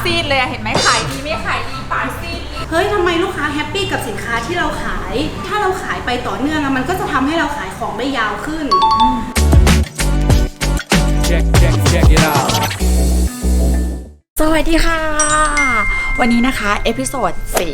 ซีดเลยเห็นไหมขายดีไม่ขายดีปากซีดเฮ้ยทำไมลูกค้าแฮปปี้กับสินค้าที่เราขายถ้าเราขายไปต่อเนื่องมันก็จะทำให้เราขายของได้ยาวขึ้น Check it out สวัสดีค่ะวันนี้นะคะเอพิโซด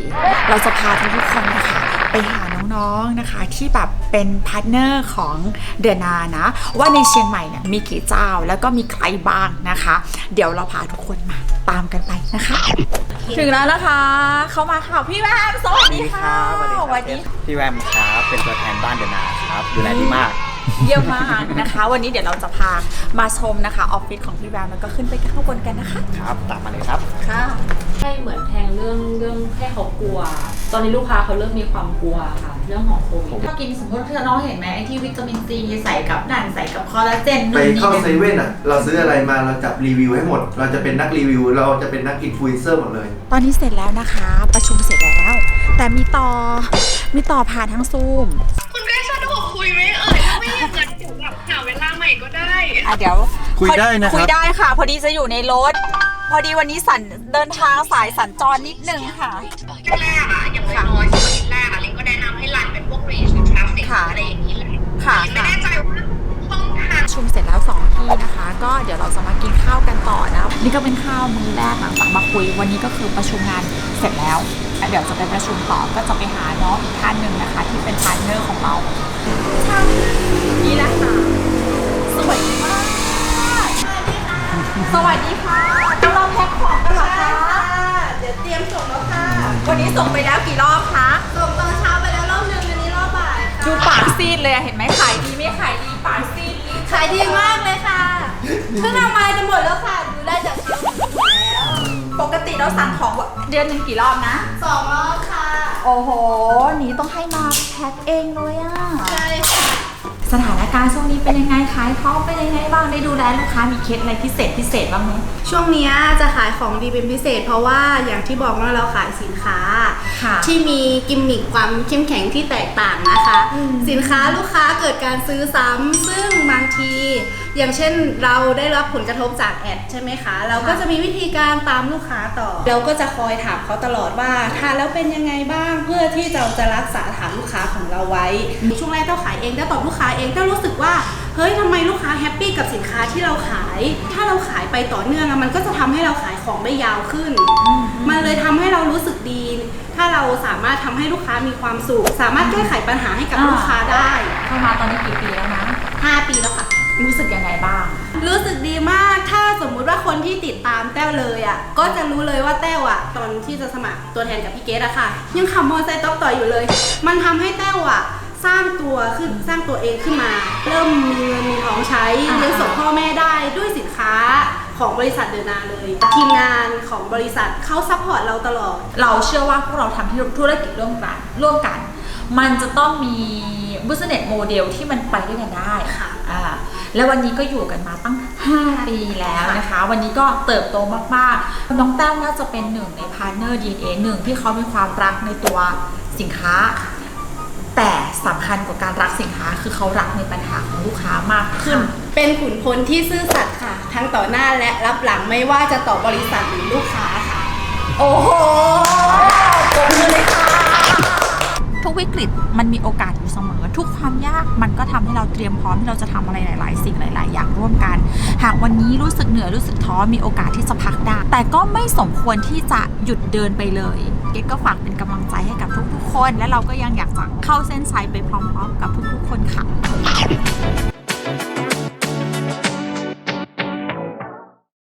4เราจะพาทุกคนนะคะไปหาน้องๆนะคะที่แบบเป็นพาร์ทเนอร์ของเดือนนานะว่าในเชียงใหม่เนี่ยมีกี่เจ้าแล้วก็มีใครบ้างนะคะเดี๋ยวเราพาทุกคนมาตามกันไปนะคะถึงแล้วนะคะเขามาค่ะพี่แวมสวัสดีค่ะสวัสดีพี่แวมครับเป็นตัวแทนบ้านเดนาครับดูแลดีมากเยี่ยมมากนะคะวันนี้เดี๋ยวเราจะพามาชมนะคะออฟฟิศของพี่แวมแล้วก็ขึ้นไปข้างบนกันนะคะครับตามมาเลยครับค่ะให้เหมือนแทงเรื่องให้เขากลัวตอนนี้ลูกค้าเขาเริ่มมีความกลัวค่ะเรื่องของโควิดถ้ากินสมมติที่น้องเห็นไหมไอ้ที่วิตามินซีใส่กับนั่นใส่กับคอลลาเจนไปเข้าเซเว่นอ่ะเราซื้ออะไรมาเราจับรีวิวให้หมดเราจะเป็นนักรีวิวเราจะเป็นนักอินฟลูเอนเซอร์หมดเลยตอนนี้เสร็จแล้วนะคะประชุมเสร็จแล้วแต่มีต่อผ่านทางซูมคุณได้สะดวกคุยไหมถ้าไม่อย่างนั้นเดี๋ยวแบบหาเวลาใหม่ก็ได้เดี๋ยวคุยได้นะครับคุยได้ค่ะพอดีจะอยู่ในรถพอดีวันนี้เดินทางสายสัญจรนิดนึงค่ะแรกอ่ะอย่างน้อยๆชิ้นแรกอ่ะลิงก็แนะนำให้รันเป็นพวก reach traffic อะไรอย่างนี้เลยค่ะไม่แน่ใจว่าช่องทางประชุมเสร็จแล้ว2ที่นะคะก็เดี๋ยวเราจะมากินข้าวกันต่อนะนี่ก็เป็นข้าวมื้อแรกหลังจากมาคุยวันนี้ก็คือประชุมงานเสร็จแล้วเดี๋ยวจะไปประชุมต่อก็จะไปหาน้องอีกท่านหนึ่งนะคะที่เป็นพาร์ทเนอร์ของเรานี่แหละค่ะสวัสดีมากสวัสดีค่ะกำลังแพ็คของกันเหรอคะเดี๋ยวเตรียมส่งแล้วค่ะวันนี้ส่งไปแล้วกี่รอบคะส่งตอนเช้าไปแล้วรอบนึงวันนี้รอบบ่ายดูปากซีดเลยเห็นไหมขายดีไม่ขายดีปากซีดขายดีมากเลยค่ะเพิ่งเอามาจะหมดแล้วค่ะดูได้จากเชลฟ์แล้วปกติเราสั่งของเดือนหนึ่งกี่รอบนะ 2 รอบค่ะโอ้โหนี้ต้องให้มาแพ็คเองเลยอ่ะใช่ค่ะสถานการณ์ช่วงนี้เป็นยังไงขายของเป็นยังไงบ้างได้ดูแลลูกค้ามีเคล็ดอะไรพิเศษบ้างไหมช่วงนี้จะขายของดีเป็นพิเศษเพราะว่าอย่างที่บอกว่าเราขายสินค้าที่มีกิมมิคความเข้มแข็งที่แตกต่างนะคะสินค้าลูกค้าเกิดการซื้อซ้ำซึ่งบางทีอย่างเช่นเราได้รับผลกระทบจากแอดใช่ไหมคะเราก็จะมีวิธีการตามลูกค้าต่อเราก็จะคอยถามเขาตลอดว่าทานแล้วเป็นยังไงบ้างเพื่อที่เราจะรักษาฐานลูกค้าของเราไว้ช่วงแรกเราขายเองได้ตอบลูกค้าเองก็รู้สึกว่าเฮ้ยทำไมลูกค้าแฮปปี้กับสินค้าที่เราขายถ้าเราขายไปต่อเนื่องมันก็จะทำให้เราขายของได้ยาวขึ้นมันเลยทำให้เรารู้สึกดีถ้าเราสามารถทำให้ลูกค้ามีความสุขสามารถแก้ไขปัญหาให้กับลูกค้าได้เข้ามาตอนนี้กี่ปีแล้วนะ 5 ปีแล้วค่ะรู้สึกยังไงบ้างรู้สึกดีมากถ้าสมมุติว่าคนที่ติดตามแต้วเลยอ่ะก็จะรู้เลยว่าแต้วอ่ะตอนที่จะสมัครตัวแทนกับพี่เกดอะค่ะยังขับมอเตอร์ไซค์ต่ออยู่เลยมันทำให้แต้วอ่ะสร้างตัวเองขึ้นมาเริ่มมีเงินมีทองใช้เลี้ยงส่งพ่อแม่ได้ด้วยสินค้าของบริษัทเดอะนาเลยทีมงานของบริษัทเขาซัพพอร์ตเราตลอดเราเชื่อว่าพวกเราทำธุรกิจร่วมกันมันจะต้องมี business model ที่มันไปด้วยกันได้ค่ะแล้ววันนี้ก็อยู่กันมาตั้ง5 ปีแล้วนะคะวันนี้ก็เติบโตมากๆน้องแต้วน่าจะเป็นหนึ่งในพาร์ทเนอร์ DNA หนึ่งที่เขามีความรักในตัวสินค้าแต่สำคัญกว่าการรักสินค้าคือเขารักในปัญหาของลูกค้ามากขึ้นเป็นขุนพลที่ซื่อสัตย์ค่ะทั้งต่อหน้าและรับหลังไม่ว่าจะต่อบริษัทหรือลูกค้าค่ะโอ้โหปรบมือเลยค่ะทุกวิกฤตมันมีโอกาสอยู่เสมอทุกความยากมันก็ทำให้เราเตรียมพร้อมที่เราจะทำอะไรหลายๆสิ่งหลายๆอย่างร่วมกันหากวันนี้รู้สึกเหนื่อยรู้สึกท้อมีโอกาสที่จะพักได้แต่ก็ไม่สมควรที่จะหยุดเดินไปเลยเกดก็ฝากเป็นกำลังใจให้กับทุกๆคนและเราก็ยังอยากจะเข้าเส้นชัยไปพร้อมๆกับทุกๆคนค่ะ